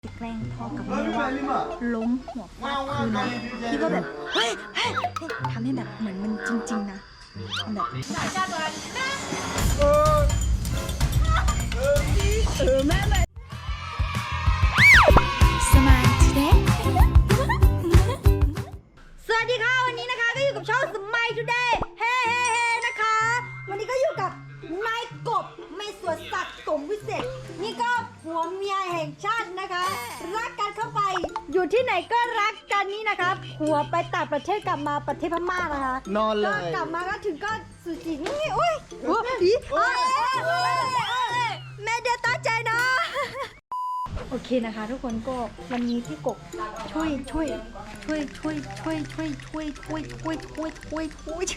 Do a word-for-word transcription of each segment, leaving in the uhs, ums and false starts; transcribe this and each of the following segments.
จะแกล้งพ่อกับแม่ว่าล้มหัวฟาดพื้นนะคิดว่าแบบเฮ้ยเฮ้ยทำให้แบบเหมือนมันจริงๆนะแบบเออเออแม่แม่สมัยทีเด็กสวัสดีค่ะวันนี้นะคะก็อยู่กับช่องสมัยทูเดย์เฮ้เฮ้เฮ้นะคะวันนี้ก็อยู่กับนายกบไม่สวนสัตว์สมวิเศษนี่ก็ผัวเมียแห่งชาตินะคะรักกันเข้าไปอยู่ที่ไหนก็รักกันนี่นะคะผัวไปต่างประเทศกลับมาประเทศพม่านะคะนอนเลยก็กลับมาก็ถึงก็สุจินี่อุ้ยอุ้ยอีแม่เดี๋ยวตั้งใจนะโอเคนะคะทุกคนก็วันนี้พี่กบช่วยช่วยช่วยช่วยช่วยช่วยช่วยช่วยช่วยช่วยช่วยช่วย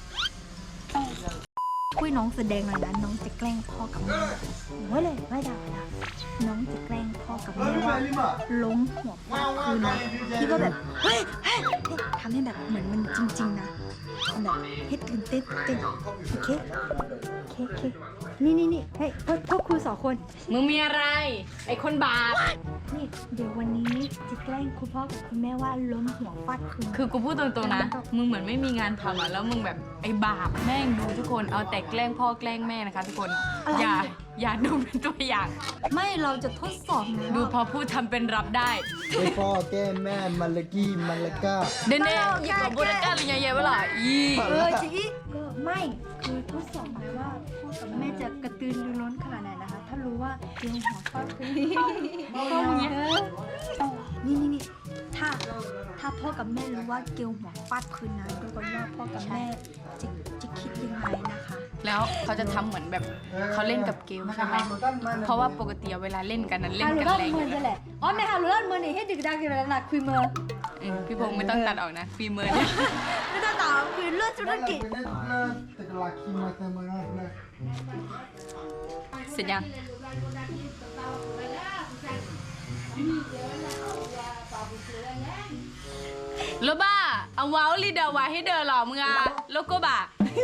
ช่วยน้องแสดงหน่อยนะน้องจะแกล้งพ่อกับแม่โอ้ยเลยไม่ได้นะน้องจะแกล้งพ่อกับแม่ว่าล้มหัวฟาดพื้นนะคิดว่าแบบเฮ้ยเฮ้ยทำให้แบบเหมือนมันจริงๆนะแบบให้ตื่นเต้นเต้นโอเคโอเคโอเคนี่นี่นี่เฮ้ยพวกพวกครูสองคนมึงมีอะไรไอ้คนบาปนี่เดี๋ยววันนี้จะแกล้งคุณพ่อกับคุณแม่ว่าล้มหัวฟาดพื้นคือกูพูดตรงๆนะมึงเหมือนไม่มีงานทำอ่ะแล้วมึงแบบไอ้บาปแม่งดูทุกคนเอาแต่แกล้งพ่อแกล้งแม่นะคะทุกคนอย่าอย่าดูเป็นตัวอย่างไม่เราจะทดสอบนะดูพอพูดทำเป็นรับได้ไอ้พ่อแก้แม่มันละกี้มันละก้าเด่นๆหยิบของโบราณกันเลยเยอะๆเวลาอีเออจีก็ไม่คือทดสอบไหมว่าพ่อกับแม่จะกระตือรือร้นขนาดไหนนะคะถ้ารู้ว่าเกลียวหัวฟาดพื้นพ่ออย่างเงี้ยนี่นี่นี่ถ้าถ้าพ่อกับแม่รู้ว่าเกลียวหัวฟาดพื้นนะดูกันว่าพ่อกับแม่จะจะคิดยังไงนะคะแล้วเขาจะทำเหมือนแบบเขาเล่นกับเกลใช่ไหมเพราะว่าปกติเวลาเล่นกันนั้นเล่นกันแรงมือจะแหละอ๋อแม่ฮารุลันมือนี่ให้ดึกดังกันแล้วนะคุยมือพี่พงศ์ไม่ต้องตัดออกนะฟีเมอร์เนี่ยไม่ต้องตัดคือเลือดธุรกิจเสร็จยังโลบ้าเอาว้าวลีเดอร์ไว้ให้เดอร์หรอมึงอะโลโก้บ่า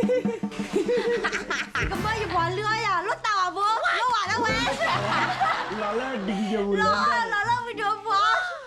ก็ไม่อยู่บนเรืออ่ะรถเต่าอ่ะบัวรถหวานแล้วเว้ยเราเลิกดีอยู่เลยเราเลิกวิดีโอบัว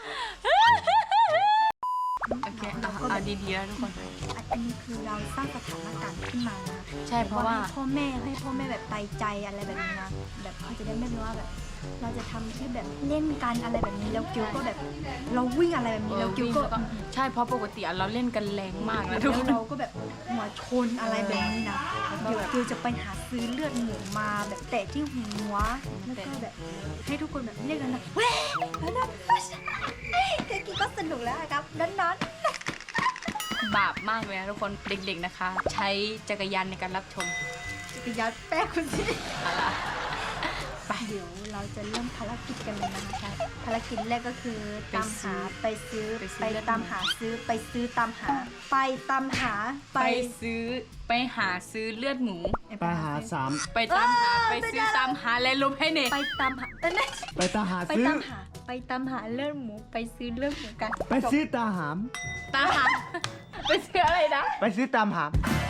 โอเคเอาเอาดีๆแล้วทุกคนอันนี้คือเราสร้างสถานการณ์ขึ้นมานะใช่เพราะว่าพ่อแม่ให้พ่อแม่แบบไปใจอะไรแบบนี้นะแบบเขาจะได้ไม่รู้ว่าแบบเราจะทำที่แบบเล่นกันอะไรแบบนี้แล้วกิ้วก็แบบเราวิ่งอะไรแบบนี้แล้วกิ้วก็ใช่เพราะปกติเราเล่นกันแรงมากนะทุกคนเราก็แบบหัวชนอะไรแบบนี้นะเดี๋ยวกิ้วจะไปหาซื้อเลือดหมูมาแบบแตะที่หัวแล้วก็แบบให้ทุกคนแบบเรียกกันนะเว้ยแล้วนั่นแค่กิ้วก็สนุกแล้วครับนั้นบาปมากเลยนะทุกคนเด็กๆนะคะใช้จักรยานในการรับชมจักรยานแป๊กคุณสิอะไรไปเดี๋ยวเราจะเริ่มภารกิจกันเลยนะคะภารกิจแรกก็คือตามหาไปซื้อไปตามหาซื้อไปซื้อตามหาไปตามหาไปซื้อไปหาซื้อเลือดหมูไปหาสามไปตามหาไปซื้อตามหาและลบให้เน่ไปตามหาไปตามหาไปตามหาไปตามหาเลือดหมูไปซื้อเลือดหมูกันไปซื้อตาหามตามหาไปซื้ออะไรนะไปซื้อตามหาม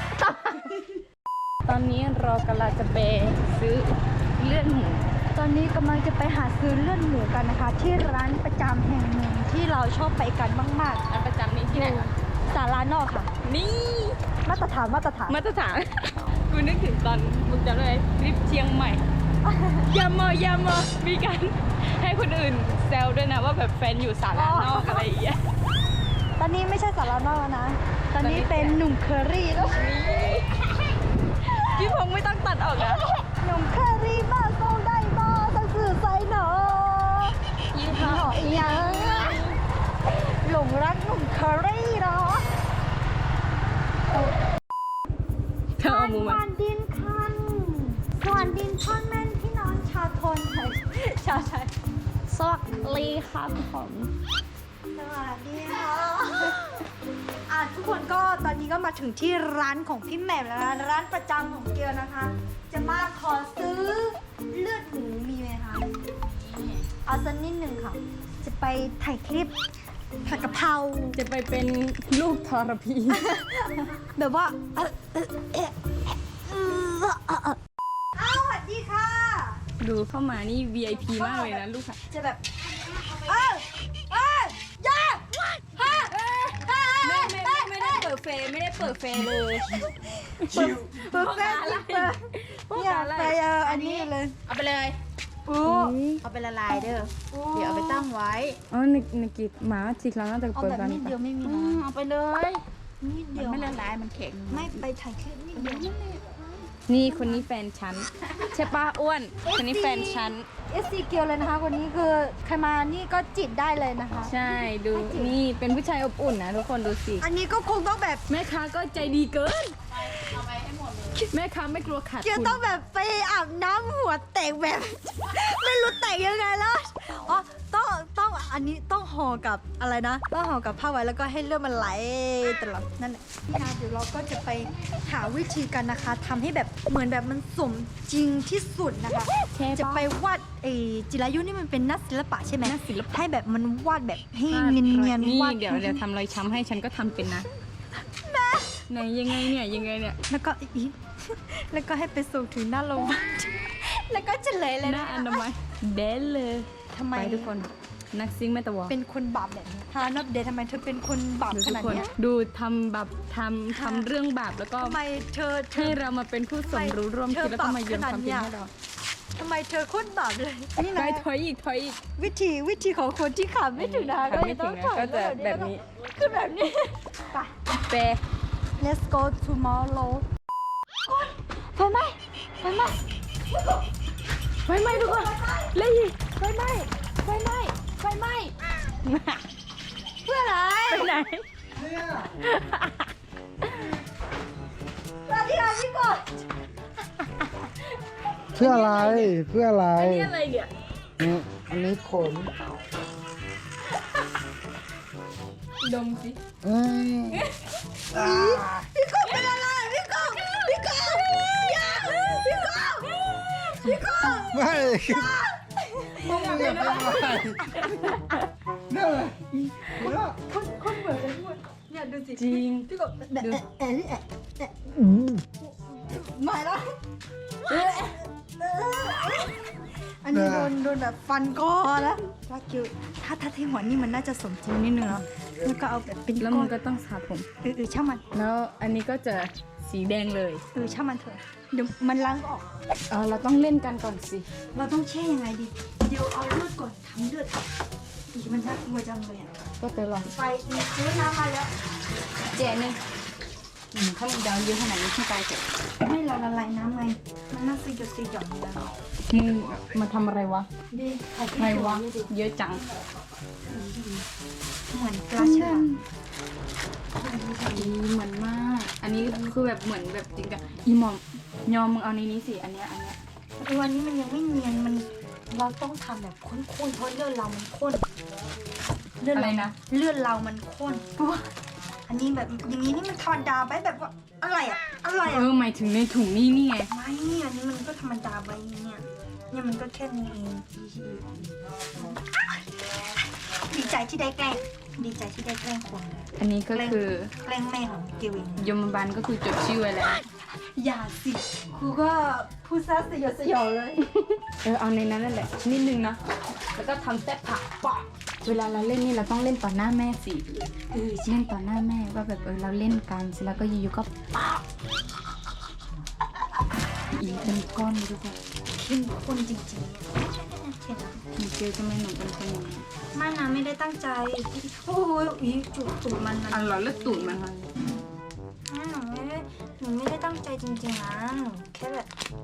ตอนนี้เรากำลังจะไปซื้อเลือดหมูตอนนี้กำลังจะไปหาซื้อเลือดหมูกันนะคะที่ร้านประจำแห่งหนึ่งที่เราชอบไปกันมากๆร้านประจำนี้ที่ไหนคะสารานอกค่ะนี่มาตรฐานมาตรฐานมาตรฐานกูนึกถึงตอนมึงจำได้ไหมทริปเชียงใหม่ยามอยามอมีการให้คนอื่นแซวด้วยนะว่าแบบแฟนอยู่สารานอกอะไรอย่างเงี้ยตอนนี้ไม่ใช่สารานอกแล้วนะตอนนี้เป็นหนุ่มเคอรี่แล้วพี่พงษ์ไม่ต้องตัดออกนะหนุ่มเคอรี่บ้าส่งได้บ้าสักสื่อใส่หนอยี่ห้อยังหลงรักหนุ่มเคอรี่หรอเธอเอามือมาสวนดินคันสวนดินพ่อแม่พี่น้องชาวทนไทยชาวไทยสวัสดีครับผมสวัสดีค่ะอ่ะทุกคนก็ตอนนี้ก็มาถึงที่ร้านของพี่แหม่มแล้วนะร้านประจำของเกียวนะคะ จะมาขอซื้อเลือดหมูมีไหมคะเอาสักนิดหนึ่งค่ะจะไปถ่ายคลิปผัดกะเพราจะไปเป็นลูกทรพีแบบว่าเออเออเอออ้าวสวัสดีค่ะดูเข้ามานี่ วี ไอ พี มากเลยนะลูกค่ะจะแบบเออเอออย่าฮะไม่ไม่ไม่ไม่ได้เปิดเฟย์ไม่ได้เปิดเฟย์เลยเปิดแฟนอะไรเนี่ยไปเอออันนี้เลยเอาไปเลยอู้เอาไปละลายเด้อเดี๋ยวเอาไปตั้งไว้อ๋อนึกนึกกิดหมาจิกแล้วน่าจะเอาเปิดแบบกันนิดเดียวไม่มีอืนะมเอาไปเลยนิดมัเดีนยวไม่ละลายมันแข็งไม่ไปถ่ายคลิปนิดเดียวนี่คนนี้แฟนฉันใช่ปะอ้วนคนนี้แฟนฉันเอสซีเกียวเลยนะคะวันนี้คือใครมานี่ก็จิตได้เลยนะคะใช่ดูนี่เป็นผู้ชายอบอุ่นนะทุกคนดูสิอันนี้ก็คงต้องแบบแม่ค้าก็ใจดีเกินแม่ค้าไม่กลัวขาดเกียวทุนต้องแบบไปอาบน้ำหัวแตกแบบ ไม่รู้แตกยังไงแล้วอ๋อต้องต้องอันนี้ต้องห่อกับอะไรนะต้องห่อกับผ้าไว้แล้วก็ให้เลือดมันไหลตลอดนั่นแหละพี่นาเดี๋ยวเราก็จะไปหาวิธีกันนะคะทำให้แบบเหมือนแบบมันสมจริงที่สุดนะคะใช่จะปะไปวาดไอ้จิรายุนี่มันเป็นนักศิลปะใช่ไหมนักศิลปะให้แบบมันวาดแบบให้เนียนนี่ๆวาดเดี๋ยวเดี๋ยวทำรอยช้ำให้ฉันก็ทำเป็นนะไหนยังไงเนี่ยยังไงเนี่ยแล้วก็อีก แล้วก็ให้ไปส่งถึงหน้าโรงพยาบาล แล้วก็เฉลยเลยหน้านะอนามัยเดนเลยทำไมไปทุกคนนักซิงค์แม่ตะวอเป็นคนบาปแบบนี้ฮานับเดททำไมเธอเป็นคนบาปดูขทุกนาดคนเนี้ยดูทำแบบทำทำเรื่องบาปแล้วก็ทำไมเธอเธให้อเรามาเป็นผู้สมรู้ร่วมคิดแล้วก็มาโยนความผิดให้เราทำไมเธอโคตรบาปเลยนี่ไปนะถอยอีกถอยอีกวิธีวิธีของคนที่ขาไม่ถึงนะขาไม่ถึงนะก็จะแบบนี้คือแบบนี้ไปเป let's go tomorrow ไฟไหม้ไฟไหม้ไฟไหม้ทุกคนเลยอีกไฟไหม้ไฟไหม้ไฟไหม้เพื่ออะไรไปไหนสวัสดีค่ะพี่กดเพื่ออะไรเพื่ออะไรนี่อะไรเนี่ยอืมอันนี้ขนดมสิเอ้ยพี่กบเป็นอะไรพี่กบพี่กบอย่าพี่กบพี่กบไม่พวกมึงอย่าเป็นอะไรเนี่ยเลยหัวเราะคนคนเหมือนเลยพูดเนี่ยดูสิจริงพี่กบแอะแอะแอะแอะแอะอืมมาแล้วอันนี้โดนโดนแบบฟันคอแล้วว่าคิวถ้าถ้าที่หัวนี่มันน่าจะสมจริงนิดนึงเนาะแล้วก็เอาแบบเป็นแล้วก้มัอน นก็ต้องสระผมเออเออช่างมันแล้วอันนี้ก็จะสีแดงเลยเออช่างมันเถอะเดี๋ยวมันล้างออกเออเราต้องเล่นกันก่อนสิเราต้องแช่ยังไงดีเดี๋ยวเอาเลือดก่อนทำเลือดอีมันน่ากลัวจังเลยอ่ะก็จะลองไฟอีกซื้อน้ำมาแล้วเจนึงอืมถ้ามึงจะเอาเยอะขนาดนี้ขึ้นไปเถอะไม่เราละลายน้ำไงมันน่าสยดสยองเลยมึงมาทำอะไรวะดีถ่ายใครวะเยอะจังเหมือนปลาเชื่อมดีเหมือนมาก อันนี้คือแบบเหมือนแบบจริงจังอีหมอมยอมมึงเอาในนี้สิ อันเนี้ยอันเนี้ยวันนี้มันยังไม่เนียนมันเราต้องทำแบบข้นๆเพราะเลือดเรามันข้นเลือดอะไรเรานะเลือดเรามันข้นอันนี้แบบอย่างนี้นี่มันธรรมดาไปแบบว่าอะไรอะอะไรเออะอหมายถึงในถุงนี่นี่ไงไม่อันนี้มันก็ธรรมดาไปเนี่ยเนี่ยมันก็แค่นี้เองดีใจที่ได้แกล้งดีใจที่ได้แกล้งคนอันนี้ก็คือแกล้งแม่ของเกวินยมบาลก็คือจดชื่อไว้แล้วอย่าสิครูก็พูดซะสยดสยองเลยเออเอาในนั้นนั่นแหละนิดนึงนะ แล้วก็ทำแซ่บผักปะเวลาเราเล่นนี่เราต้องเล่นต่อหน้าแม่สิเออเล่นต่อหน้าแม่ว่าแบบเออเราเล่นกันเสร็จแล้วก็อยู่ๆก็ปะอีเป็นก้อนเลยทุกคนเข้มข้นจริงๆเห็นไหมมีเจลทำไมหนูเป็นคนอย่างนี้ไม่นะไม่ได้ตั้งใจโอ้ยอีจุดตูดมันมันอ่ะเหรอแล้วตูดมันมันหนูไม่ได้หนูไม่ได้ตั้งใจจริงๆนะหนูแค่แบบ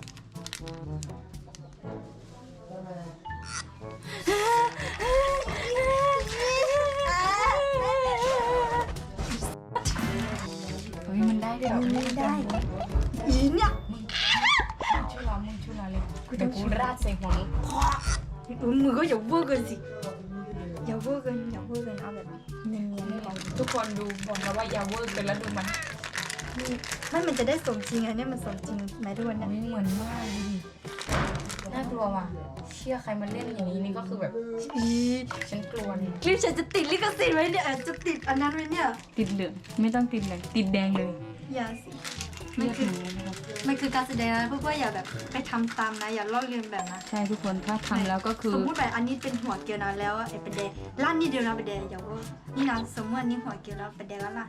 เฮ้ยมันได้ด้วยเหรอไม่ได้อีเนี่ยช่วยเรามึงช่วยเราเลยเดี๋ยวกูราดใส่หัวมึงเออมือก็อย่าเวอร์เกินสิอย่าเวอร์เกินอย่าเวอร์เกินเอาแบบเนียนๆก่อนทุกคนดูบอกนะว่าอย่าเวอร์เกินแล้วดูมันไม่มันจะได้สมจริงอะเนี่ยมันสมจริงไหมทุกคนเนี่ยไม่เหมือนมากดูดิน่ากลัวว่ะเชื่อใครมาเล่นอย่างนี้นี่ก็คือแบบอีฉันกลัวเนี่ยคลิปฉันจะติดลิขสิทธิ์ไว้เนี่ยจะติดอันนั้นไว้เนี่ยติดเหลืองไม่ต้องติดเหลืองติดแดงเลยอย่าสิเลือดหนูนะครับมันคือการแสดงนะเพื่อนๆอย่าแบบไปทำตามนะอย่าลอกเลียนแบบนะใช่ทุกคนถ้าทำแล้วก็คือสมมติแบบอันนี้เป็นหัวเกลียวนะแล้วไอ้ประเดร้านนี้เดียวนะประเดอย่าว่านี่นะสมมติอันนี้หัวเกลียวแล้วประเดแล้วล่ะ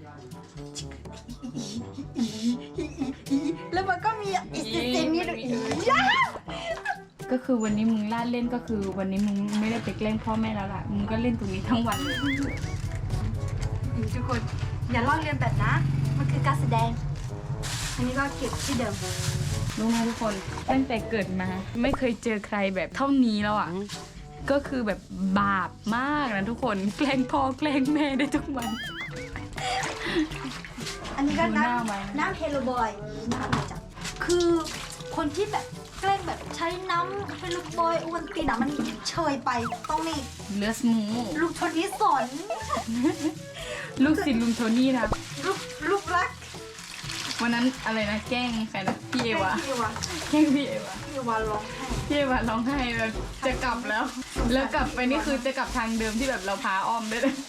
แล้วมันก็มีอีกเสียงนี้ด้วยอีก็คือวันนี้มึงล่าเล่นก็คือวันนี้มึงไม่ได้ไปแกล้งพ่อแม่แล้วล่ะมึงก็เล่นตรงนี้ทั้งวันเลยทุกคนอย่าลอกเลียนแบบนะมันคือการแสดงอันนี้ก็เก็บที่เดิมรู้ไหมทุกคนตั้งแต่เกิดมา ไม่เคยเจอใครแบบเท่านี้แล้วอ่ะก็คือแบบบาปมากนะทุกคนแกล้งพ่อแกล้งแม่ได้ทุกวันอันนี้ก็ดูหน้าไว้น้ำน้ำเฮโลบอยน้ำอะไรจ้ะคือคนที่แบบแกล้งแบบใช้น้ำเฮโลบอยอวันตีนอะมันเชยไปต้องนี่เลือสมูลูกชนนี้สอนลูกศิษย์ลุงโทนี่นะลูกลูกรักวันนั้นอะไรนะแกล้งใครนะพี่เอวะพี่เอวาแกล้งพี่เอวะพี่เอวาร้องไห้พี่เอวะร้องไห้แบบจะกลับแล้ว แล้วกลับไปนี่คือจะกลับทางเดิมที่แบบเราพาอ้อมได้เลย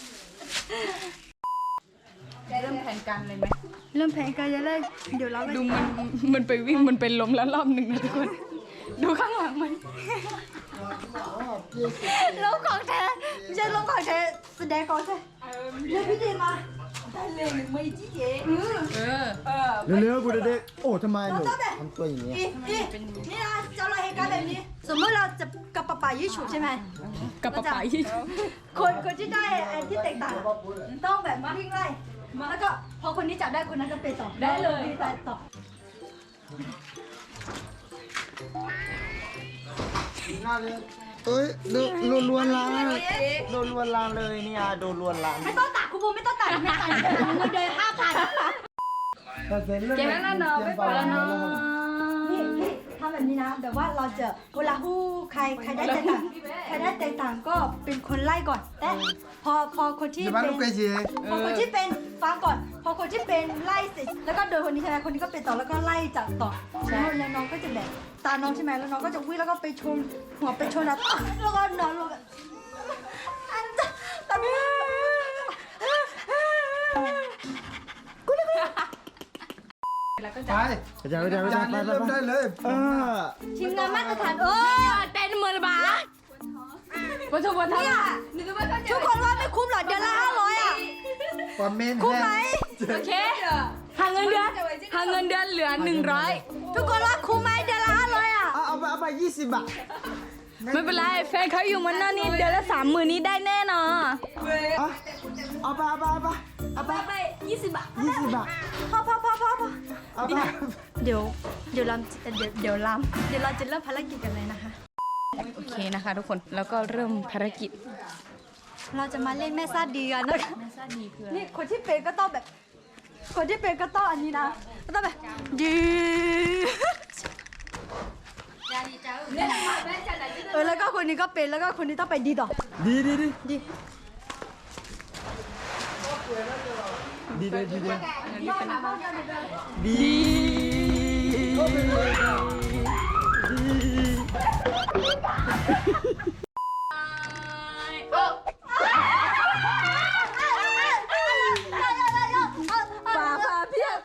เริ่มแผนการเลยไหมเริ่มแผนการจะเลยเดี๋ยวเราไปดูมันมันไปวิ่งมันเป็นลมแล้วรอบหนึ่งนะทุกคน ดูข้างหลังมันลงของเธอไม่ใช่ลงของเธอแสดงของเธอเรียกพี่เดมาได้เลยหนึ่งไม่จี้เอ๋เออเออเร็วๆกูเด็กๆโอ้ทำไมหนูทำตัวอย่างนี้อีอีนี่นะเจ้าเราเหตุการณ์แบบนี้ สมมติเราจะกับปะป๋ายี่ฉุบใช่ไหมกับปะป๋ายี่คนคนที่ได้ไอ้ที่แตกต่างอะต้องแบบมาวิ่งไล่แล้วก็พอคนนี้จับได้คนนั้นก็ไปต่อได้เลยไปต่อเอ้ยโดนโดนลวนลามโดนลวนลามเลยเนี่ยโดนลวนลามไม่ต้องตัดคุณบูไม่ต้องตัดไม่ตัดเงินเดือนห้าพันเจ๊แล้วเนาะไม่ไปแล้วเนาะนี่นี่ทำแบบนี้นะแบบว่าเราจะเวลาฮู้ใครใครได้แตกต่างใครได้แตกต่างก็เป็นคนไล่ก่อนแต่พอพอคนที่จะเป็มาน ลูกเกจีพอคนที่เป็นฟังก่อน พอคนที่เป็นไล่เสร็จแล้วก็โดนคนนี้ใช่ไหมคนนี้ก็เป็นต่อแล้วก็ไล่จากต่อแล้วแล้วน้องก็จะแบบตาน้องใช่ไหมแล้วน้องก็จะวิ่งแล้วก็ไปชนหัวไปชนแล้วแล้วก็นอนลงอันจะตอนนี้แล้วก็ไปจะไปจ้าไปจ้าไปจ้าไปเริ่มได้เลยเออทีมงานมาตรฐานเออเต้นมือละบาปะทุกวันทั้งทุกคนว่าไม่คุ้มหรอเดือนละห้าร้อยอ่ะคอมเมนต์คุ้มไหมโอเคหาเงินเดือนหาเงินเดือนเหลือหนึ่งร้อยทุกคนว่าคุ้มไหมเดือนละห้าร้อยอ่ะเอาเอาไปเอาไปยี่สิบบาทไม่เป็นไรแฟนเขาอยู่มันนั่นนี่เดือนละสามหมื่นนี้ได้แน่นอนเอาเอาไปเอาไปเอาไปเอาไปไปยี่สิบบาทยี่สิบบาทพอพอพอพอพอเอาไปเดี๋ยวเดี๋ยวเราเดี๋ยวเดี๋ยวเราเดี๋ยวเราจะเริ่มภารกิจกันเลยนะคะโอเคนะคะทุกคนแล้วก็เริ่มภารกิจเราจะมาเล่นแม่ซาดีกันนะคะแม่ซ่าดีคือนี่คนที่เป็นก็ต้องแบบ คนที่เป็นก็ต้องอันนี้นะก็ต้องแบบดีเออแล้วก็คนนี้ก็เป็นแล้วก็คนนี้ต้องไปดีต่อดีดีดีดีดีเลยดีเลยดีก็เป็นเลยดีป่าป่าเพียบ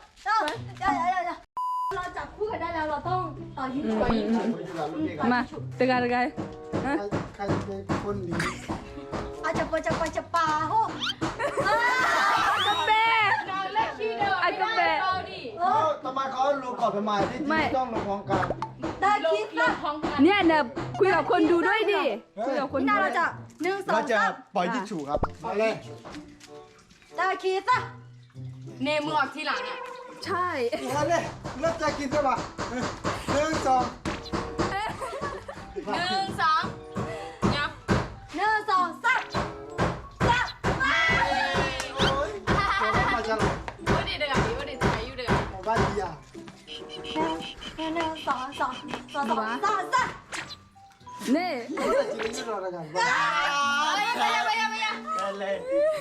เราจับคู่กันได้แล้วเราต้องต่อยิงต่อยิงมาตึกอะไรกันใครเป็นคนดีอาจจะปจะไปจะป่าโอ้กาแฟไอ้กาแฟเอ้าทำไมเขาลงก่อนทำไมที่ที่ต้องลงพร้อมกันได้คิดนะเนี่ยเนี่ยคุยกับคนดูด้วยดิคุยกับคนนี่ดูนาเราจะหนึ่งสอเรางจะสามปล่อยยิงฉูครับมาเลยได้คิดนะเนมือออกทีหลังอ่ะใช่มาเลยเริ่มจะกินใช่ปะหนึ่งสองหนึ่งสองยับหนึ่งสองสามสามโอ้ยมาจะหลับวันนี้เดือดวันนี้ถ่ายอยู่เดือดของบ้านดีอ่ะหนึ่งสองสองสองสองสามสามเน่เราจะกินที่เราละกันไปไปไปไปไปเลย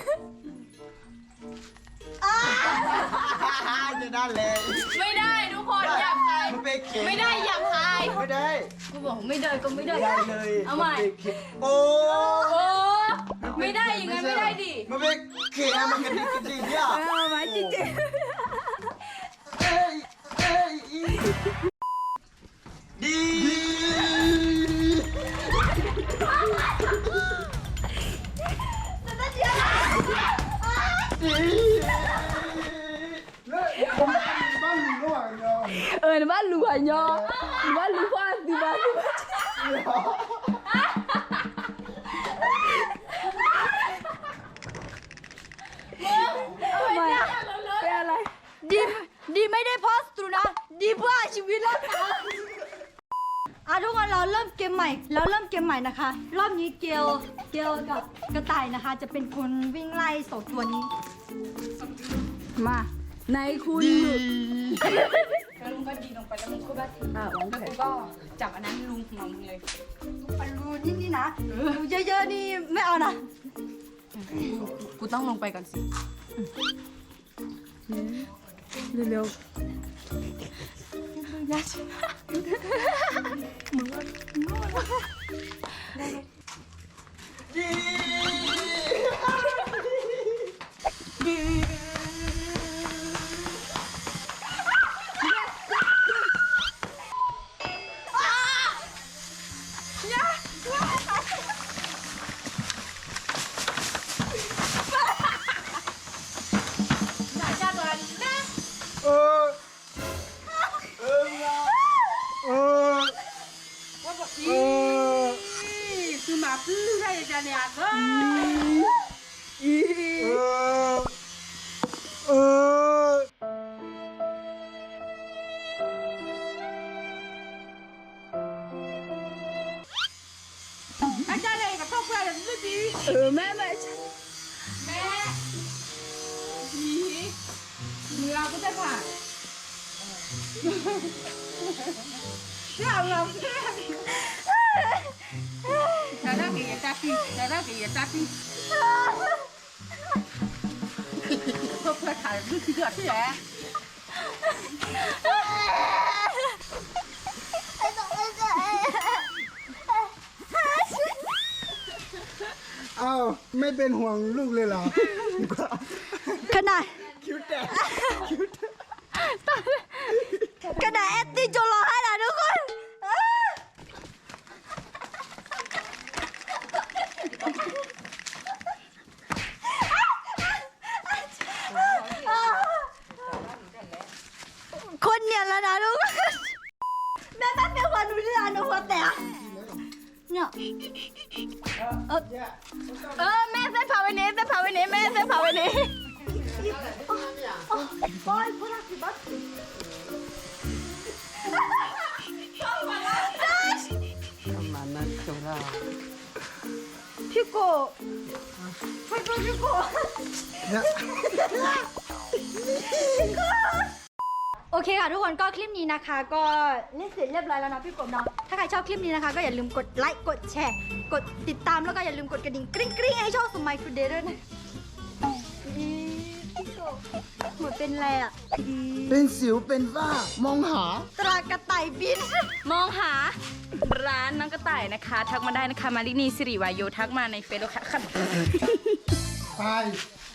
จะได้เลยไม่ได้ทุกคนหยาบคายมันเป็นเข็มไม่ได้หยาบคายไม่ได้กูบอกไม่ได้ก็ไม่ได้ได้เลยเอาใหม่โอ้โอ้ไม่ได้ยังไงไม่ได้ดิมันเป็นเข็มมันกระดิกกระดิกเนี่ยเอาไว้จริงเอ้ยเอ้ยอีเออบ้านรวยเนาะบ้านรวยฟ้าสิบ้านรวยทำไมเป็นอะไรดีดีไม่ได้โพสต์ตรูนะดีเพื่อชีวิตรอดอ่ะทุกคนเราเริ่มเกมใหม่แล้วเริ่มเกมใหม่นะคะ รอบนี้เกลเกลกับกระต่ายนะคะ จะเป็นคนวิ่งไล่สองตัวนี้มาในคุณดีแล้วลุงก็ดีลงไปแล้วมึงก็แบบอ่าแล้วกูก็จับอันนั้นลุงหัวมึงเลยปันรูนี่นี่นะรูเยอะๆนี่ไม่เอานะกูต้องลงไปก่อนสิเร็วๆยัดมึงว่ามึงว่าเออเออเออเออคือหมาพื้นได้จะเนี่ยก็เออเอออาจารย์เลยกับพ่อเพื่อนไม่ดีเออแม่แม่แม่ดีมือเราก็จะผ่านเราเราแต่ถ้าเกิดจะตีแต่ถ้าเกิดจะตีพ่อเพื่อนขายลูกเสือที่ไหนเอ้าไม่เป็นห่วงลูกเลยเหรอขนาดคิ้วแตกคิ้วแตกขนาดแอตตี้จนร้องไห้นะทุกคนคนเนี่ยแล้วนะทุกคนแม่แม่เป็นคนดูที่ร้านหนูหัวแตกเนี่ยเออเออแม่เส้นผ่าวันนี้เส้นผ่าวันนี้แม่เส้นผ่าวันนี้บอยพูดอะไรบ้างมานั่นจงเราพี่โกไปดูพี่โกเนี่ยโอเคค่ะทุกคนก็คลิปนี้นะคะ ก็เล่นเสร็จเรียบร้อยแล้วนะพี่กบเนาะถ้าใครชอบคลิปนี้นะคะก็อย่าลืมกดไลค์กดแชร์กดติดตามแล้วก็อย่าลืมกดกระดิ่งกริ๊งกริ๊งให้ช่องสมัยทูเดย์ด้วยนะอีพี่กบเหมือนเป็นอะไรอ่ะอีเป็นสิวเป็นฝ้ามองหาตรากระต่ายบินมองหาร้านน้องกระต่ายนะคะ ทักมาได้นะคะมารินีสิริวายโยทักมาในเฟซบุ๊กค่ะไป